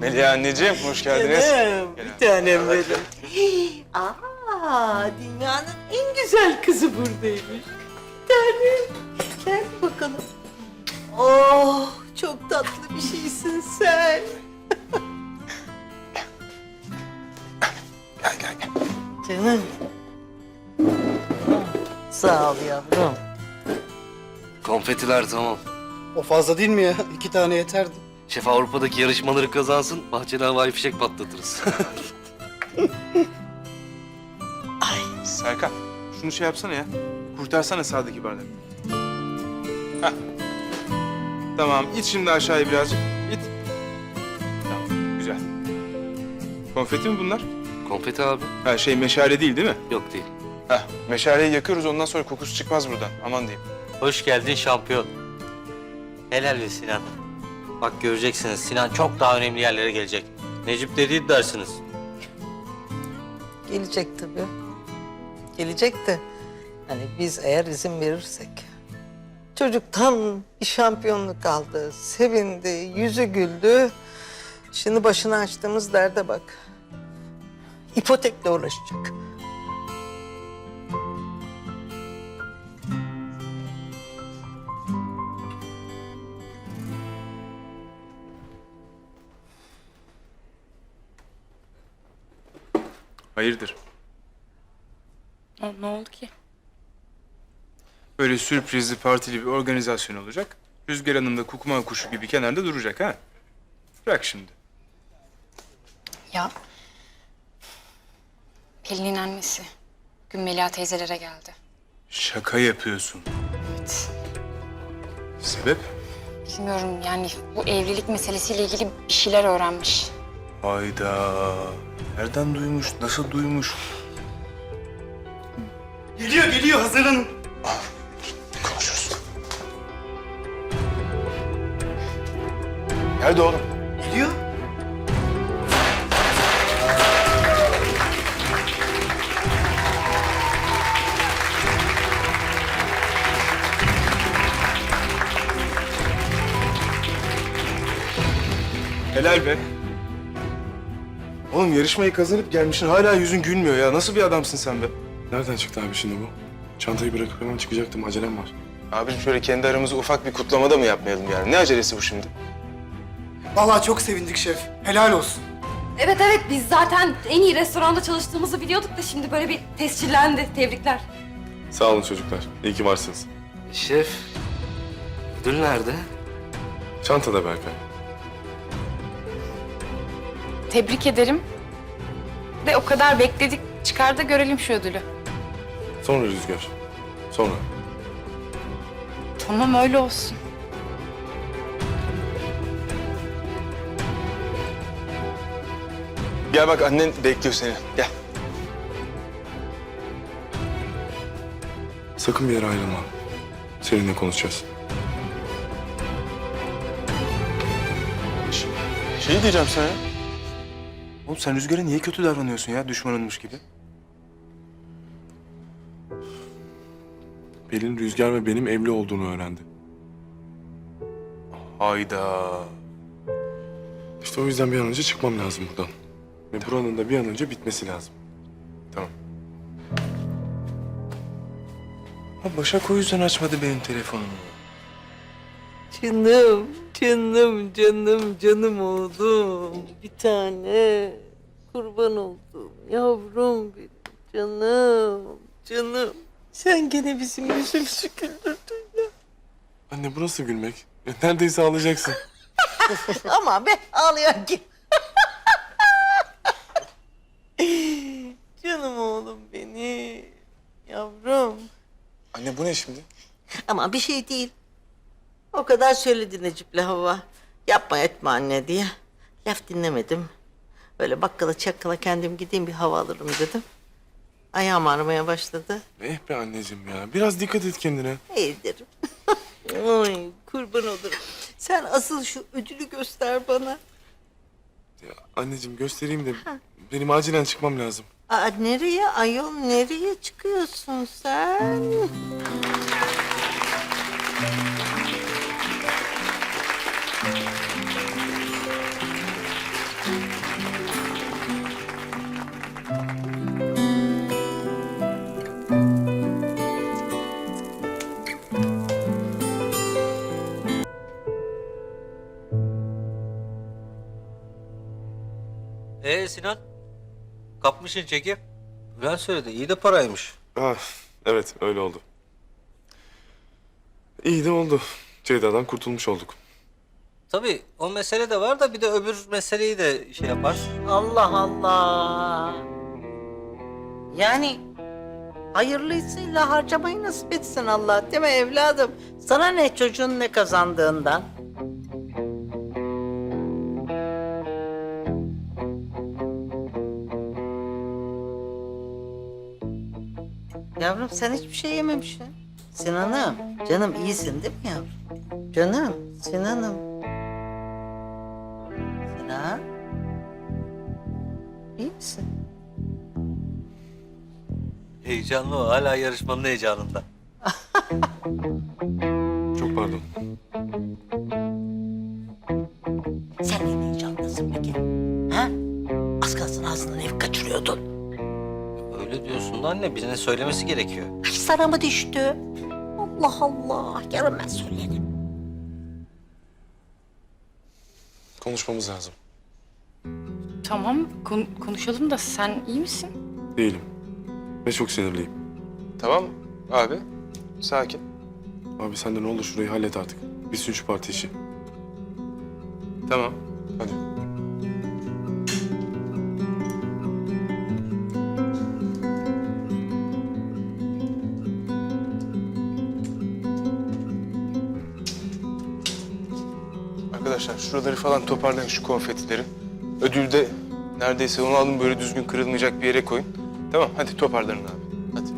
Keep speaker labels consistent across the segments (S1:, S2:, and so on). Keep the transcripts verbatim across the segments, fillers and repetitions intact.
S1: Melih anneciğim, hoş geldiniz.
S2: Canım, bir tanem benim. Aa, dünyanın en güzel kızı buradaymış. Bir tanem. Gel bakalım. Oh, çok tatlı bir şeysin sen.
S1: Gel, gel, gel.
S2: Canım. Sağ ol yavrum.
S3: Konfetiler tamam.
S4: O fazla değil mi ya? İki tane yeterdi.
S3: Şef Avrupa'daki yarışmaları kazansın, bahçede havai fişek patlatırız.
S1: Serkan, şunu şey yapsana ya. Kurtarsana sağdaki bardağı. Hah. Tamam, it şimdi aşağıya birazcık. İt. Tamam, güzel. Konfeti mi bunlar?
S3: Konfeti abi.
S1: Ha şey meşale değil değil mi?
S3: Yok değil.
S1: Hah, meşaleyi yakıyoruz ondan sonra kokusu çıkmaz buradan. Aman diyeyim.
S5: Hoş geldin şampiyon. Helal be Sinan. Bak göreceksiniz Sinan çok daha önemli yerlere gelecek. Necip dediği dersiniz.
S2: Gelecek tabii. Gelecek de hani biz eğer izin verirsek. Çocuk tam bir şampiyonluk aldı. Sevindi, yüzü güldü. Şimdi başına açtığımız derde bak. İpotekle uğraşacak.
S1: Hayırdır?
S6: Ne, ne oldu ki?
S1: Böyle sürprizli, partili bir organizasyon olacak. Rüzgar Hanım da kukuma kuşu gibi kenarda duracak ha. Bırak şimdi.
S6: Ya Pelin'in annesi bugün Melia teyzelere geldi.
S1: Şaka yapıyorsun.
S6: Evet.
S1: Sebep?
S6: Bilmiyorum yani bu evlilik meselesiyle ilgili bir şeyler öğrenmiş.
S1: Hayda. Nereden duymuş, nasıl duymuş?
S4: Geliyor geliyor hazırlanın.
S1: Konuşuruz. Nerede oğlum?
S4: Geliyor.
S1: Helal be. Oğlum yarışmayı kazanıp gelmişsin hala yüzün gülmüyor ya. Nasıl bir adamsın sen be?
S7: Nereden çıktı abi şimdi bu? Çantayı bırakıp hemen çıkacaktım. Acelem var.
S1: Abim şöyle kendi aramızda ufak bir kutlamada mı yapmayalım yani? Ne acelesi bu şimdi?
S4: Vallahi çok sevindik şef. Helal olsun.
S8: Evet evet biz zaten en iyi restoranda çalıştığımızı biliyorduk da şimdi böyle bir tescillendi. Tebrikler.
S7: Sağ olun çocuklar. İyi ki varsınız.
S3: Şef, ödül nerede?
S7: Çantada Berkay.
S6: Tebrik ederim. De o kadar bekledik. Çıkar da görelim şu ödülü.
S7: Sonra Rüzgar. Sonra.
S6: Tamam öyle olsun.
S1: Gel bak annen bekliyor seni. Gel.
S7: Sakın bir yere ayrılma. Seninle konuşacağız.
S1: Şey diyeceğim sana ya. Oğlum sen Rüzgar'a niye kötü davranıyorsun ya düşmanınmış gibi?
S7: Pelin, Rüzgar ve benim evli olduğunu öğrendi.
S1: Hayda.
S7: İşte o yüzden bir an önce çıkmam lazım buradan. Ve buranın da bir an önce bitmesi lazım.
S1: Tamam. Ha Başak o yüzden açmadı benim telefonumu.
S2: Canım, canım, canım, canım oğlum. Bir tane. Kurban oldum. Yavrum benim. Canım, canım. Sen gene bizim yüzümüzü güldürdün ya.
S7: Anne bu nasıl gülmek? E, neredeyse ağlayacaksın.
S2: Ama be ağlayan kim? Canım oğlum beni. Yavrum.
S1: Anne bu ne şimdi?
S2: Ama bir şey değil. O kadar söyledi Necip'le Hava. Yapma etme anne diye. Laf dinlemedim. Böyle bakkala çakkala kendim gideyim bir hava alırım dedim. Ayağım ağrımaya başladı.
S7: Eh be anneciğim ya. Biraz dikkat et kendine.
S2: İyi derim. Ay kurban olurum. Sen asıl şu ödülü göster bana.
S7: Ya, anneciğim göstereyim de benim acilen çıkmam lazım.
S2: Aa, nereye ayol nereye çıkıyorsun sen?
S5: Ee Sinan? Kapmışsın çeki. Bülent söyledi. İyi de paraymış.
S7: Ah, evet öyle oldu. İyi de oldu. Ceyda'dan kurtulmuş olduk.
S5: Tabii o mesele de var da bir de öbür meseleyi de şey yapar.
S2: Allah Allah. Yani hayırlısıyla harcamayı nasip etsin Allah, değil mi evladım? Sana ne çocuğun ne kazandığından? Yavrum sen hiçbir şey yememişsin. Sinan'ım, canım iyisin değil mi yavrum? Canım, Sinan'ım. Sinan. İyi misin?
S5: Heyecanlı o. Hala yarışmanın heyecanında.
S7: Çok pardon.
S2: Sen ne heyecanlısın peki? Ha? Az kalsın ağzından ev kaçırıyordun.
S5: Öyle diyorsun da anne. Birine söylemesi gerekiyor.
S2: Ay sana mı düştü? Allah Allah. Yarın ben söylerim.
S7: Konuşmamız lazım.
S6: Tamam kon- konuşalım da sen iyi misin?
S7: Değilim. Ve çok sinirliyim.
S1: Tamam abi. Sakin.
S7: Abi sen de ne olur şurayı hallet artık. Bitsin şu parti işi.
S1: Tamam.
S7: Hadi.
S1: Arkadaşlar şuraları falan toparlayın, şu konfetileri. Ödülü de neredeyse onu alın, böyle düzgün kırılmayacak bir yere koyun. Tamam, hadi toparlanın abi. Hadi.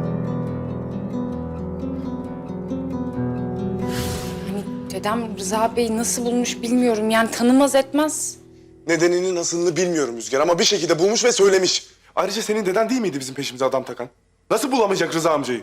S6: Hani dedem Rıza Bey nasıl bulmuş bilmiyorum. Yani tanımaz etmez.
S7: Nedenini nasılını bilmiyorum Rüzgar ama bir şekilde bulmuş ve söylemiş. Ayrıca senin deden değil miydi bizim peşimize adam takan? Nasıl bulamayacak Rıza amcayı?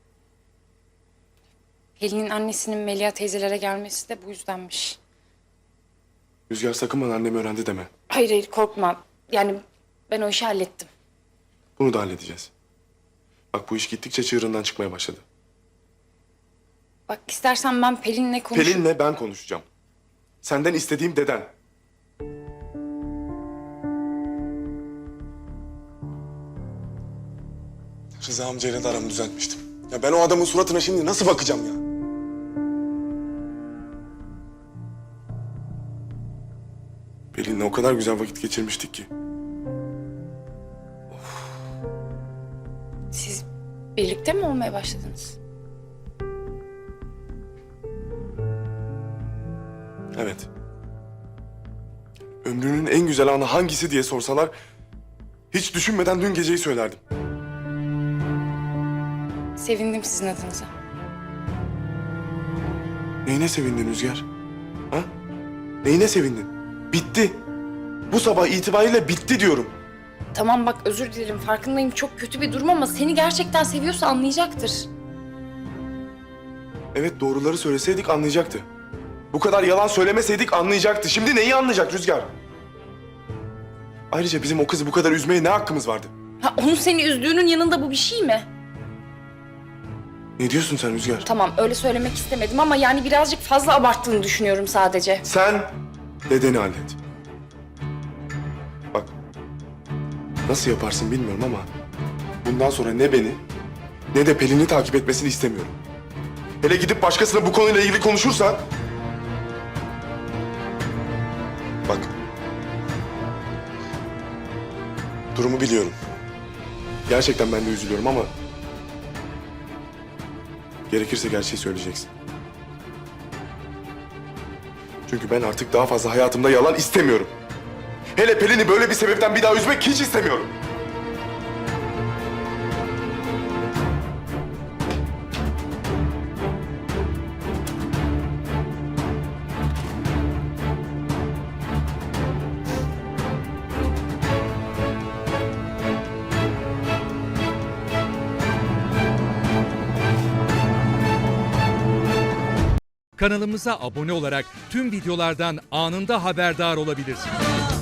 S6: Pelin'in annesinin Melia teyzelere gelmesi de bu yüzdenmiş.
S7: Rüzgar sakın bana annem öğrendi deme.
S6: Hayır hayır korkma. Yani ben o işi hallettim.
S7: Bunu da halledeceğiz. Bak bu iş gittikçe çığırından çıkmaya başladı.
S6: Bak istersen ben Pelin'le konuşup...
S7: Pelin'le ben konuşacağım. Senden istediğim deden. Rıza amcayla da aramı düzeltmiştim. Ya ben o adamın suratına şimdi nasıl bakacağım ya? Pelin'le o kadar güzel vakit geçirmiştik ki.
S6: Siz birlikte mi olmaya başladınız?
S7: Evet. Ömrünün en güzel anı hangisi diye sorsalar... ...hiç düşünmeden dün geceyi söylerdim.
S6: Sevindim sizin adınıza.
S7: Neyine sevindin Rüzgar? Ha? Neyine sevindin? Bitti. Bu sabah itibariyle bitti diyorum.
S6: Tamam bak özür dilerim farkındayım çok kötü bir durum ama seni gerçekten seviyorsa anlayacaktır.
S7: Evet doğruları söyleseydik anlayacaktı. Bu kadar yalan söylemeseydik anlayacaktı. Şimdi neyi anlayacak Rüzgar? Ayrıca bizim o kızı bu kadar üzmeye ne hakkımız vardı?
S6: Ha, onun seni üzdüğünün yanında bu bir şey mi?
S7: Ne diyorsun sen Rüzgar?
S6: Tamam öyle söylemek istemedim ama yani birazcık fazla abarttığını düşünüyorum sadece.
S7: Sen dedeni hallet. Bak, nasıl yaparsın bilmiyorum ama... ...bundan sonra ne beni ne de Pelin'i takip etmesini istemiyorum. Hele gidip başkasına bu konuyla ilgili konuşursan... Bak... Durumu biliyorum. Gerçekten ben de üzülüyorum ama... Gerekirse gerçeği söyleyeceksin. Çünkü ben artık daha fazla hayatımda yalan istemiyorum. Hele Pelin'i böyle bir sebepten bir daha üzmek hiç istemiyorum.
S9: Kanalımıza abone olarak tüm videolardan anında haberdar olabilirsiniz.